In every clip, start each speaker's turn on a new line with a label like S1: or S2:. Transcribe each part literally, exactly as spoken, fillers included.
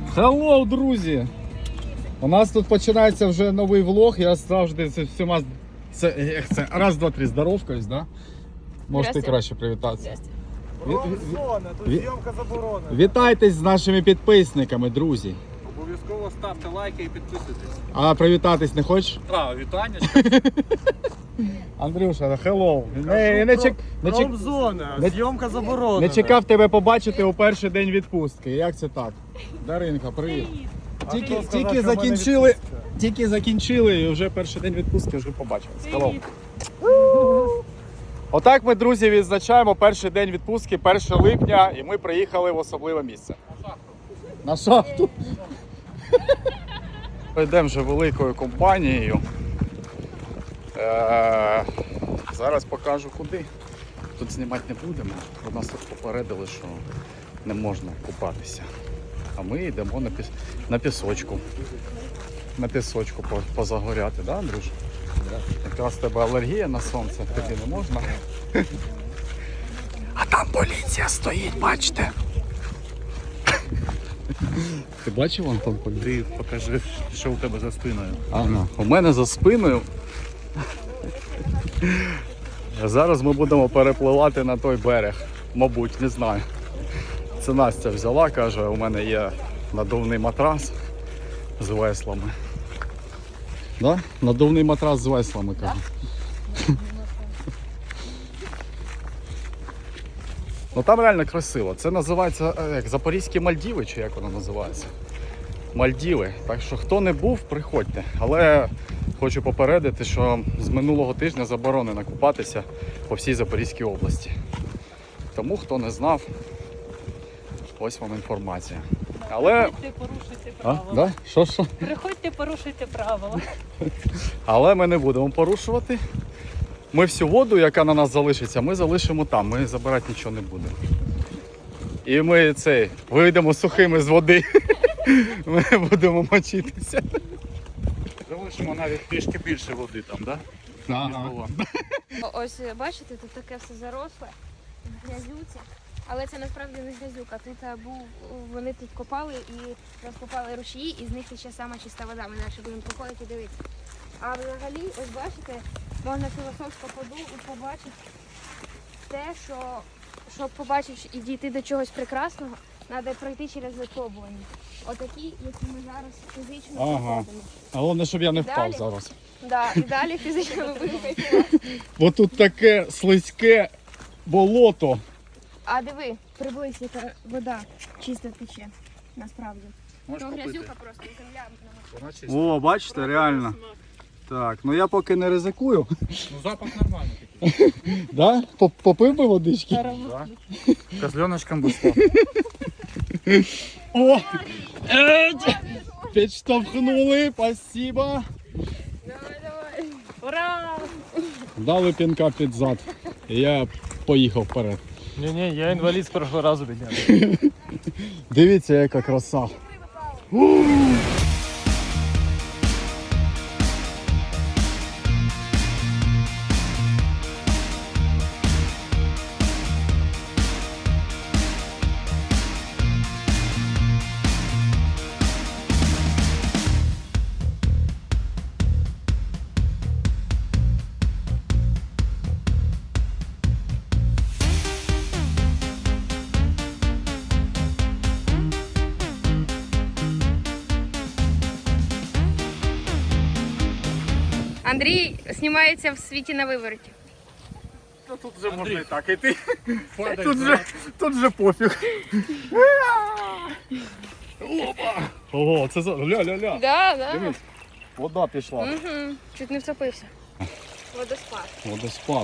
S1: Хеллоу, друзі! У нас тут починається вже новий влог. Я завжди це всіма це, як це, раз, два, три, здоровкаюсь, да? Можете краще привітатися.
S2: Промзона, тут зйомка заборонена.
S1: Вітайтесь з нашими підписниками, друзі.
S2: Обов'язково ставте лайки і підписуйтесь.
S1: А привітатись не хочеш?
S2: А, вітання.
S1: Андрюша, хеллоу. Не, не, чек, не, чек,
S2: Промзона,
S1: не-
S2: зйомка заборонена.
S1: не чекав тебе побачити у перший день відпустки. Як це так? Даринка, привіт.
S2: А
S1: Тільки,
S2: хто сказав,
S1: тільки
S2: що в мене
S1: закінчили,
S2: відпустка?
S1: тільки закінчили і вже перший день відпустки вже побачили. Хеллоу. Отак ми, друзі, відзначаємо перший день відпустки, першого липня, і ми приїхали в особливе місце. На шахту. Йдемо вже великою компанією. Е, Зараз покажу куди. Тут знімати не будемо. У нас тут попередили, що не можна купатися. А ми йдемо на, піс... на пісочку. На пісочку позагоряти, да, Андрюш? Якраз в тебе алергія на сонце, тобі не можна. А там поліція стоїть, бачите? Ти бачив, Антон, поліцію?
S2: Ти покажи, що у тебе за спиною.
S1: Ага, у мене за спиною. Зараз ми будемо перепливати на той берег. Мабуть, не знаю. Це Настя взяла, каже, у мене є надувний матрас з веслами. Да? Надувний матрас з веслами, каже. Ну там реально красиво. Це називається як Запорізькі Мальдіви, чи як воно називається? Мальдіви. Так що хто не був, приходьте. Але хочу попередити, що з минулого тижня заборонено купатися по всій Запорізькій області. Тому хто не знав, ось вам інформація. Але...
S3: Приходьте, порушуйте
S1: А?
S3: правила.
S1: Да? Що, що?
S3: Приходьте, порушуйте правила.
S1: Але ми не будемо порушувати. Ми всю воду, яка на нас залишиться, ми залишимо там. Ми забирати нічого не будемо. І ми цей, вийдемо сухими з води. Ми будемо мочитися.
S2: Залишимо навіть трішки більше води там, так? Да? Ніж було.
S4: Ось бачите, тут таке все заросле, грязюці. Але це насправді не грязюка. Тут е, був, вони тут копали і розкопали ручії, і з них ще сама чиста вода. Ми далі будемо проходити і дивитися. А взагалі, ось бачите, можна філософсько подумати і побачити те, що щоб побачити і дійти до чогось прекрасного, треба пройти через випробування. Отакі, які ми зараз фізично
S1: Ага.
S4: проходимо.
S1: Головне, щоб я не впав
S4: Далі?
S1: зараз.
S4: Да, і далі фізично ми будемо кайфувати.
S1: Бо тут таке слизьке болото.
S4: А диви, приблизь, яка вода чисто тече, насправді.
S2: Можеш
S4: То
S2: купити.
S4: грязюка просто, земля.
S2: Вона чиста.
S1: О, бачите, реально. Так, ну я поки не ризикую.
S2: Ну запах нормальний такий.
S1: Да? Поп- Попив би водички?
S2: Да. Козленочком би став.
S1: О! Еть! Підштовхнули, спасибо.
S4: Давай, давай.
S3: Ура!
S1: Дали пінка під зад. І я поїхав вперед.
S2: Ні-ні, я інвалід з першого разу підняв.
S1: Дивіться, яка краса.
S4: Андрій знімається в світі на вивороті.
S2: Та тут вже можна і так іти.
S1: Тут же, тут же пофіг. Опа! Ого, це за... Ля-ля-ля.
S4: Да, да.
S1: Дивись, вода пішла.
S4: Угу. Чуть не втопився. Водоспад.
S1: Водоспад.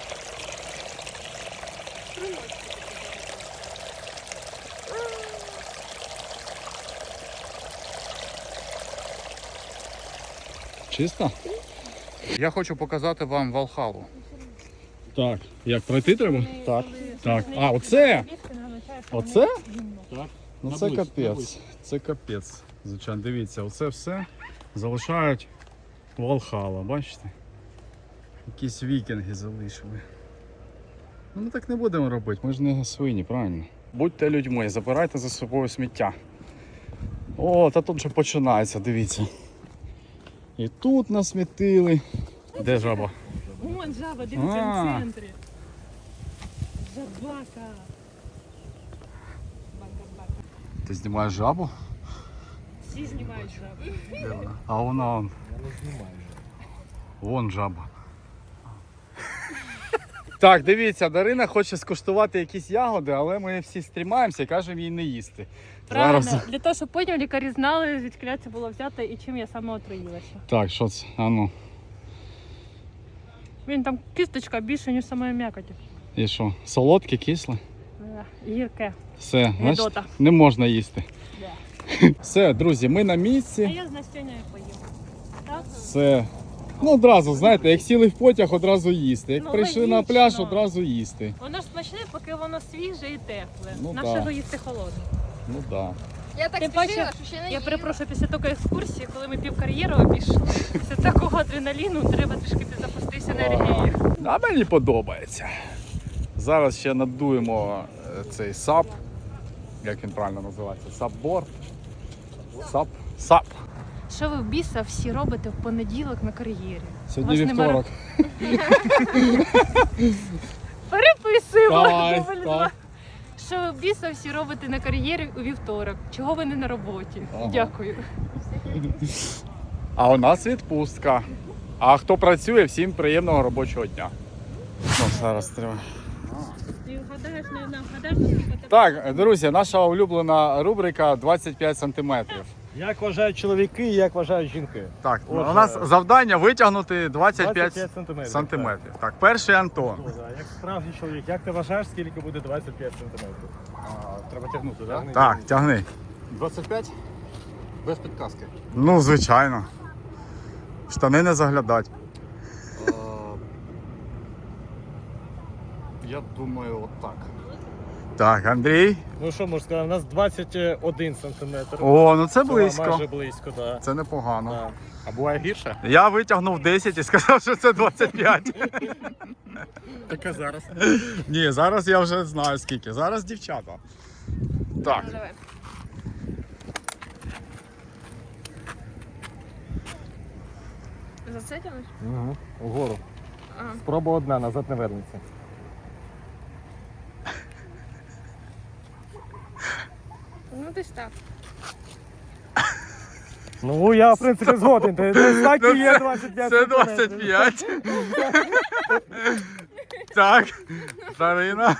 S1: Чисто?
S2: Я хочу показати вам Валхалу.
S1: Так, як пройти треба? Так. Так. А, оце? Оце?
S2: Так.
S1: Ну це капець. Це капець. Звичайно, дивіться, оце все залишають Валхала, бачите? Якісь вікінги залишили. Ну ми так не будемо робити, ми ж не свині, правильно? Будьте людьми, забирайте за собою сміття. О, та тут вже починається, дивіться. І тут насмітили. Де жаба?
S3: Вон жаба, дивіться
S1: А.
S3: в центрі. Жабака. Бака-бака.
S1: Ти знімаєш жабу?
S3: Всі знімають жабу.
S1: Де вона? А вона он.
S2: Я не знімаю.
S1: Вон жаба. Так, дивіться, Дарина хоче скуштувати якісь ягоди, але ми всі стрімаємося і кажемо їй не їсти.
S3: Правильно,
S1: Зараз.
S3: для того, щоб потім лікарі знали, звідки це було взято і чим я саме отруїлася.
S1: Так, що це? А ну.
S3: Він там кісточка більше, ніж самої м'якоті.
S1: І що? Солодке, кисле?
S3: Е, Гірке.
S1: Все, значить,
S3: Гедота.
S1: не можна їсти.
S3: Да.
S1: Все, друзі, ми на
S3: А
S1: місці.
S3: я з Настюнею поїм. Так?
S1: Все. Ну, одразу, знаєте, як сіли в потяг, одразу їсти. Як
S3: Ну,
S1: прийшли на
S3: логічно.
S1: пляж, одразу їсти.
S3: Воно ж смачне, поки воно свіже і тепле.
S1: Ну,
S3: Наше
S1: да.
S3: його їсти холодне.
S1: Ну так. Да.
S4: Я так
S3: Тим
S4: спішила,
S3: паче,
S4: що ще не
S3: Я
S4: їла.
S3: перепрошую, після такої екскурсії, коли ми пів кар'єру обійшли, після такого адреналіну треба трішки підзапуститися енергією.
S1: А мені подобається. Зараз ще надуємо е, цей сап. Як він правильно називається? Сапборд. Сап. Сап.
S3: Що ви в біса всі робите в понеділок на кар'єрі?
S1: Сьогодні
S3: Вас нема
S1: вівторок.
S3: Переписуємо!
S1: Давай,
S3: Дубль
S1: так.
S3: два. Що ви в біса всі робите на кар'єрі у вівторок? Чого ви не на роботі?
S1: Ага.
S3: Дякую.
S1: А у нас відпустка. А хто працює, всім приємного робочого дня. Ну, зараз треба.
S3: Ти вгадаєш, не вгадаєш, наскільки тебе...
S1: Так, друзі, наша улюблена рубрика двадцять п'ять сантиметрів.
S2: Як вважають чоловіки і як вважають жінки?
S1: Так,
S2: Отже,
S1: у нас завдання витягнути двадцять п'ять
S2: сантиметрів.
S1: сантиметрів. Так, перший Антон.
S2: Так. Як справжній чоловік, як ти вважаєш, скільки буде двадцять п'ять сантиметрів? А, треба тягнути, так? Да?
S1: Так, тягни.
S2: двадцять п'ять? Без підказки.
S1: Ну, звичайно. Штани не заглядать.
S2: Я думаю, отак.
S1: Так, Андрій.
S2: Ну що можу сказати, у нас двадцять один сантиметр.
S1: О, ну це
S2: Це
S1: близько.
S2: Майже близько, так.
S1: Це непогано.
S2: Да. А буває гірше?
S1: Я витягнув десять і сказав, що це двадцять п'ять.
S2: Так а зараз.
S1: Ні, зараз я вже знаю скільки. Зараз дівчата. Так.
S4: Ну, давай. За це тягнеш?
S2: Угу. Угору.
S4: Ага.
S2: Спроба одна, назад не вернеться.
S4: Ну десь так.
S2: Ну я в принципі згоден. Ти так
S1: Ну,
S2: і є
S1: це-
S2: двадцять п'ять
S1: Це
S2: сантиметрів.
S1: двадцять п'ять. Так, Дарина.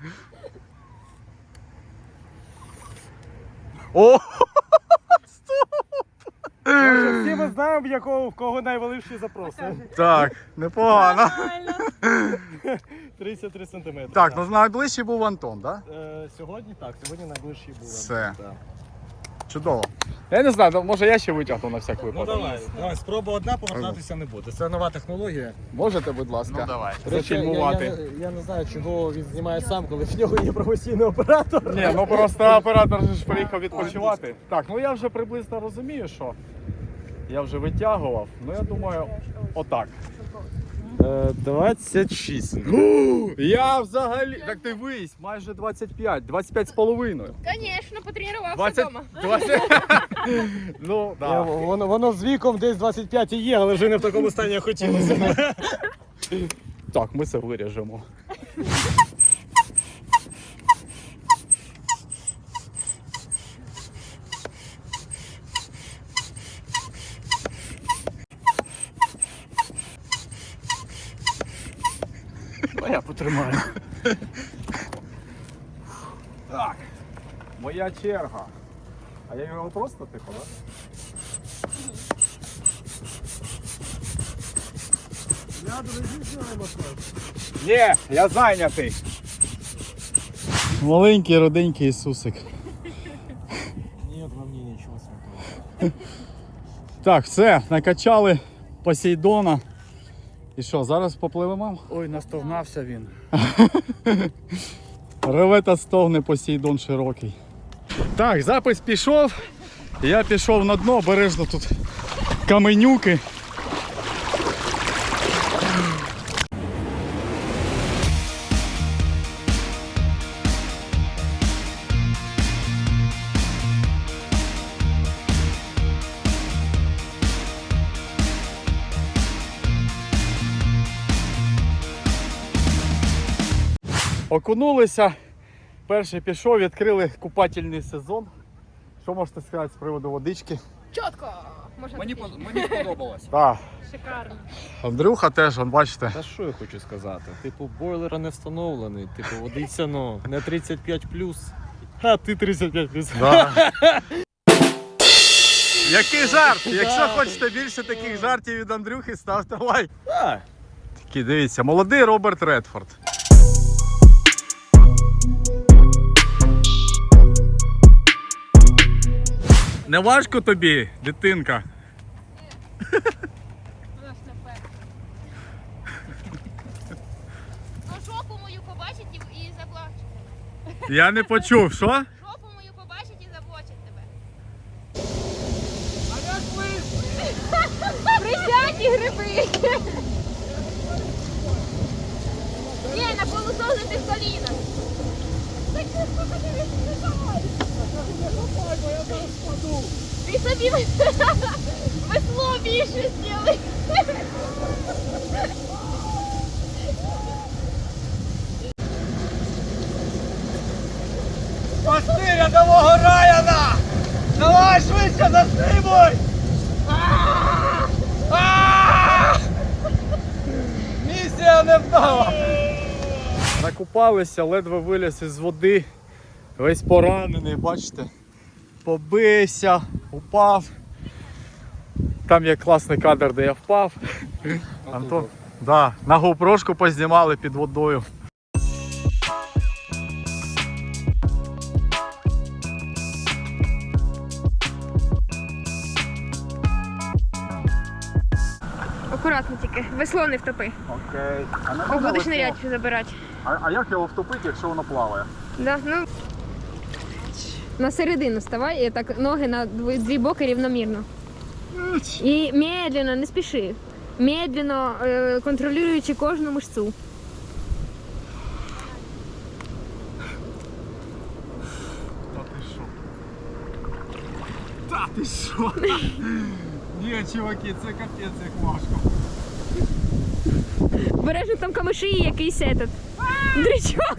S1: О!
S2: Отже, всі ми знаємо, в якого в кого найвеличші запроси.
S1: Так, непогано.
S3: Нормально.
S2: тридцять три сантиметри.
S1: Так, ну найближчий був Антон, так?
S2: Е, сьогодні так, сьогодні найближчий був.
S1: Все.
S2: Так.
S1: Чудово. Я не знаю, може я ще витягну на всяк
S2: Ну
S1: випадок.
S2: давай, давай, спроба одна, повертатися не буде. Це нова технологія.
S1: Можете, будь ласка.
S2: Ну, давай.
S1: Зафільмувати.
S2: Я, я, я не знаю, чого він знімає сам, коли в нього є професійний оператор.
S1: Ні, ну просто оператор же ж приїхав відпочивати. Так, ну я вже приблизно розумію, що я вже витягував. Ну я думаю, отак.
S2: двадцять шість.
S1: Я взагалі. Так ти вись, майже двадцять п'ять, двадцять п'ять з половиною.
S4: Звісно, потренувався
S1: двадцять,
S4: вдома.
S1: двадцять. Ну,
S2: Я,
S1: да.
S2: воно, воно з віком десь двадцять п'ять і є, але вже не в такому стані, як хотілося.
S1: Так, ми це виріжемо.
S2: А я потримаю.
S1: Так. Моя черга. А я його просто типу, так?
S2: Я друзі знаємо.
S1: Ні, я зайнятий. Маленький роденький Ісусик.
S2: Ні, во мені нічого святого.
S1: Так, все, накачали Посейдона. І що, зараз попливемо?
S2: Ой, настогнався він.
S1: Реве та стогне Посейдон широкий. Так, запис пішов. Я пішов на дно, обережно тут каменюки. окунулися. Перший пішов, відкрили купательний сезон. Що можете сказати з приводу водички?
S4: Чітко! Можна
S5: Мені,
S4: таки.
S5: под- мені подобалось.
S1: Так.
S3: Шикарно.
S1: Андрюха теж, он, бачите.
S6: Та що я хочу сказати? Типу, бойлера не встановлений, типу, водиться, ну, не тридцять п'ять плюс. А ти тридцять п'ять плюс.
S1: Да. Який жарт? Якщо хочете більше таких жартів від Андрюхи, ставте лайк.
S6: А,
S1: Такий, дивіться, молодий Роберт Редфорд. Не важко тобі, дитинка?
S4: Вона ж наперед. Ну жопу мою побачить і, і заплачуть.
S1: Я не почув, що?
S4: Жопу мою побачить і заплачуть тебе. А як ви? Присядьте гриби. Ні, на полусогнутих колінах. Так ти сколько ти відчуваєш? Ти собі весло більше зробив.
S5: Спасти рядового Райана! Давай швидше застрибуй! Місія не вдала!
S1: Накупалися, ледве виліз із води. Весь поранений, бачите? Побився, упав. Там є класний кадр, де я впав. Антон, да, на гоупрошку познімали під водою.
S4: Акуратно тільки, весло не втопи.
S1: Окей. А, не
S4: Бо будеш нирять забирати.
S1: а, а як його втопити, якщо воно плаває?
S4: Да, ну. На середину ставай, і так ноги на дві, дві боки рівномірно. І медленно, не спіши. Медленно, е, контролюючи кожну мишцю.
S1: Та ти що? Та ти що? Ні, чуваки, це капець як важко.
S4: Бережно там камиші і якийсь этот. Дрючок.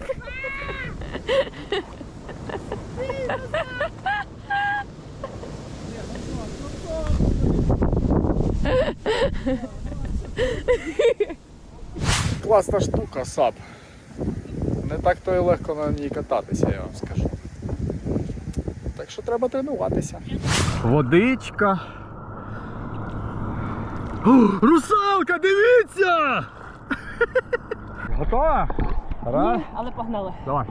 S1: Класна штука, сап. Не так то і легко на ній кататися, я вам скажу. Так що треба тренуватися. Водичка. О, русалка, дивіться! Готова? Раз.
S3: Але погнали.
S1: Давай.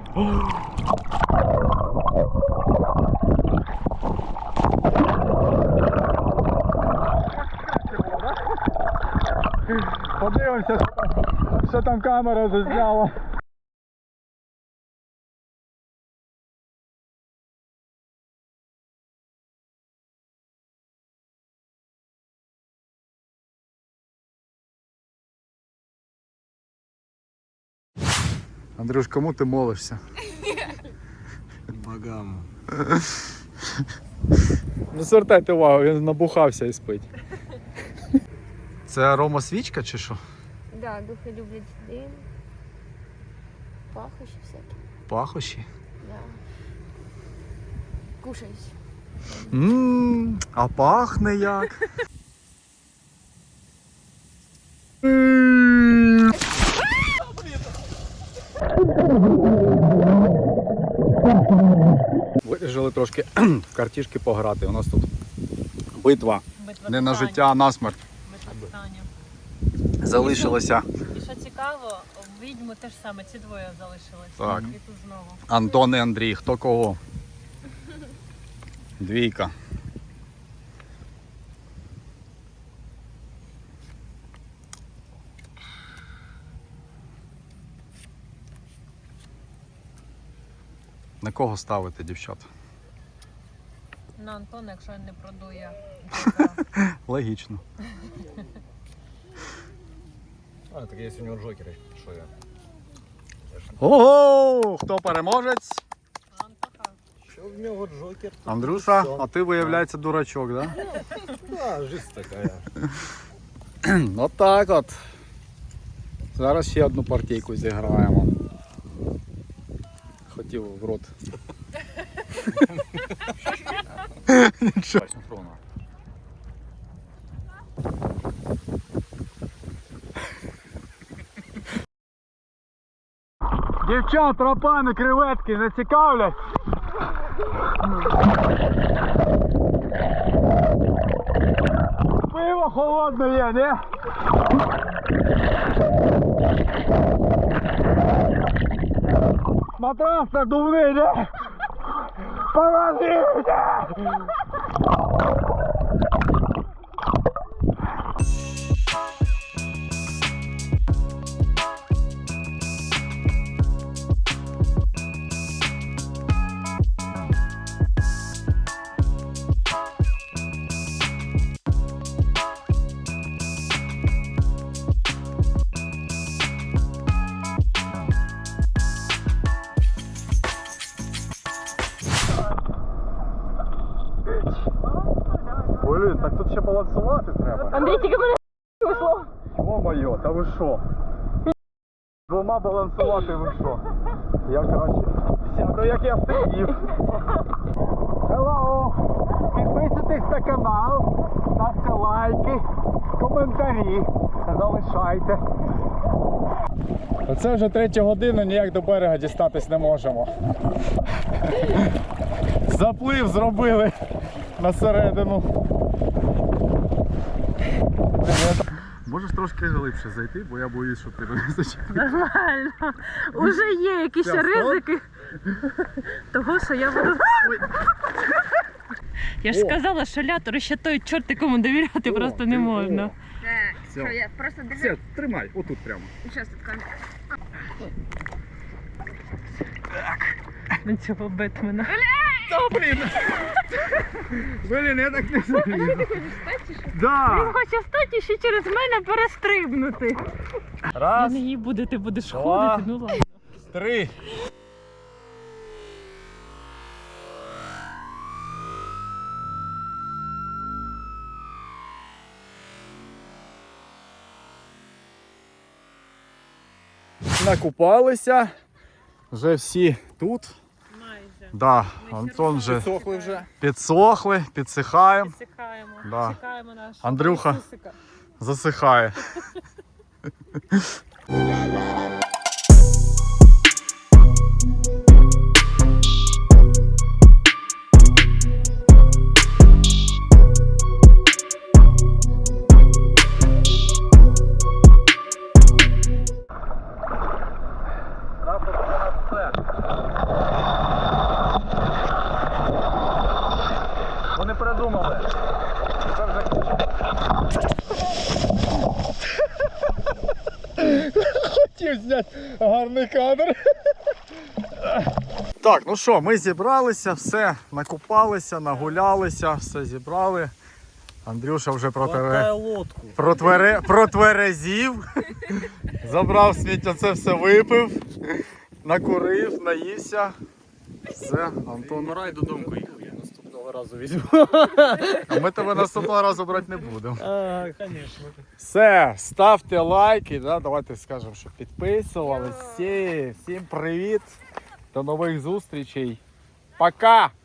S1: Подивимося, що там камера зазняла. Андрюш, кому ти молишся?
S6: богам.
S1: Не звертайте увагу, він набухався і спить. Це аромасвічка чи що?
S4: Да, духи люблять дим. Пахощі всякі.
S1: Пахощі.
S4: Да. Кушають.
S1: Ммм, а пахне як. Вирішили трошки в картішки пограти. У нас тут битва.
S3: Битва
S1: Не на
S3: титанів.
S1: життя, а на смерть.
S3: Битва титанів.
S1: Залишилося
S3: І що цікаво, в відьму теж саме, ці двоє залишились.
S1: Так.
S3: І тут знову.
S1: Антон і Андрій. Хто кого? Двійка. На кого ставити, дівчат?
S3: На Антона, якщо він не продує.
S1: Логічно.
S6: А, так є у нього джокери, що я?
S1: Ого! Хто переможець?
S3: Антоха.
S6: Що в нього джокер? то
S1: Андрюша,
S6: все.
S1: а ти, виявляється, дурачок, да?
S6: Да, жизнь така.
S1: От так от. Зараз ще одну партійку зіграємо. хотів в рот. Нічого. Дівчат, рапани, креветки не цікавлять? Пиво холодне є, не? Матрас надувний, не? Помогите! Блін, так тут ще балансувати треба.
S3: Андрій, тільки мене вийшло.
S1: О-моє, та ви що? Двома балансувати ви що? Я краще сяду, як я сидів. Hello! Підписуйтесь на канал, ставте лайки, коментарі, залишайте. Оце вже третя година, ніяк до берега дістатись не можемо. Заплив зробили на середину. Можеш трошки глибше зайти, бо я боюсь, що ти не зачепиш.
S3: Нормально. Уже є якісь
S1: Все,
S3: ризики того, що я буду... Я ж
S1: О.
S3: сказала, що лятору ще той чорт, якому довіряти
S1: О,
S3: просто не
S1: ти-
S3: можна.
S1: о.
S4: Так,
S1: Все.
S4: що я просто держу.
S1: Все, тримай, отут прямо.
S4: Щас тут камера.
S3: На цього Бетмена.
S1: Та, блін! Блін, я так не залізу.
S3: Він
S1: Да.
S3: хоче встати і ще через мене перестрибнути. Я
S1: Раз,
S3: не їй буде, ти будеш
S1: Два.
S3: ходити, ну ладно.
S1: три. Накупалися, вже всі тут.
S3: Майже.
S1: Да,
S3: Ми
S1: Антон вже
S2: Сохли вже.
S1: підсохли, підсихаємо,
S3: Підсихаємо.
S1: Да.
S3: Чекаємо наш
S1: Андрюха.
S3: Ісусика.
S1: засихає. Вони придумали. Це вже хотів зняти гарний кадр. Так, ну що, ми зібралися, все, накупалися, нагулялися, все зібрали. Андрюша вже
S6: Хватає
S1: протире...
S6: лодку.
S1: протвере... протверезів. Забрав сміття, це все випив, накурив, наївся. Все, Антон.
S6: Морай додому їхав, я наступного разу візьму.
S1: А ми тебе наступного разу брати не будемо.
S6: А, звісно.
S1: Все, ставте лайки, да? Давайте скажемо, що підписували. Всі, всім привіт, до нових зустрічей. Пока!